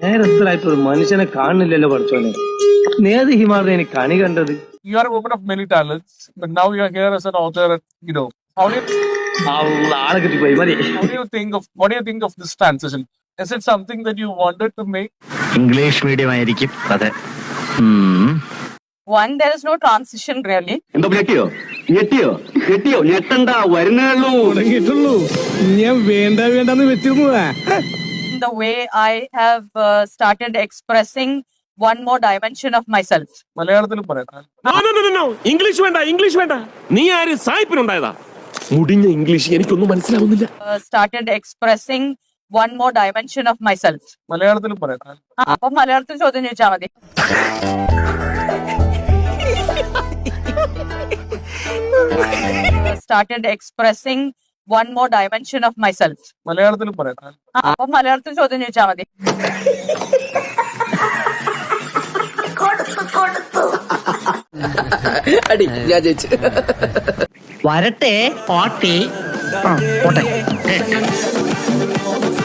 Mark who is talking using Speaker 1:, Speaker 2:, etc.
Speaker 1: നേരത്തിലായിട്ട് ഒരു മനുഷ്യനെ കാണുന്നില്ലല്ലോ പഠിച്ചോനെ. നേത് ഹിമാലയ എനിക്ക് കണി കണ്ടത്.
Speaker 2: You are a woman of many talents, but now you are here as an author. How do
Speaker 1: ആളെ കിട്ടിപ്പോയി മതി.
Speaker 2: what do you think of this transition? Is it something that you wanted to make?
Speaker 3: English medium ആയിരിക്കും. അതെ.
Speaker 4: One, there is no transition really.
Speaker 5: എന്തോ ഞെട്ടിയോ ഞെട്ടണ്ട വരുന്നുള്ളൂ.
Speaker 6: ഞാൻ വേണ്ടെന്ന് വെച്ചിരുന്നതാ.
Speaker 4: The way I have started expressing one more dimension of myself.
Speaker 2: മലയാളത്തിലും പറയാം.
Speaker 6: English വേണ്ട. നീ ആര് സായിപ്പിനുണ്ടായതാ? മുടിഞ്ഞ ഇംഗ്ലീഷ് എനിക്കൊന്നും മനസ്സിലാവുന്നില്ല.
Speaker 4: Started expressing one more dimension of myself.
Speaker 2: മലയാളത്തിലും പറയാം.
Speaker 4: അപ്പൊ മലയാളത്തിൽ ചോദ്യം ചോദിച്ചാൽ മതി. Started expressing one more dimension of myself.
Speaker 2: മലയാളത്തിലും പറയാം.
Speaker 4: അപ്പൊ മലയാളത്തിൽ ചോദ്യം ചോദിച്ചാൽ മതി.
Speaker 3: വരട്ടെ പാട്ടി പോട്ടെ.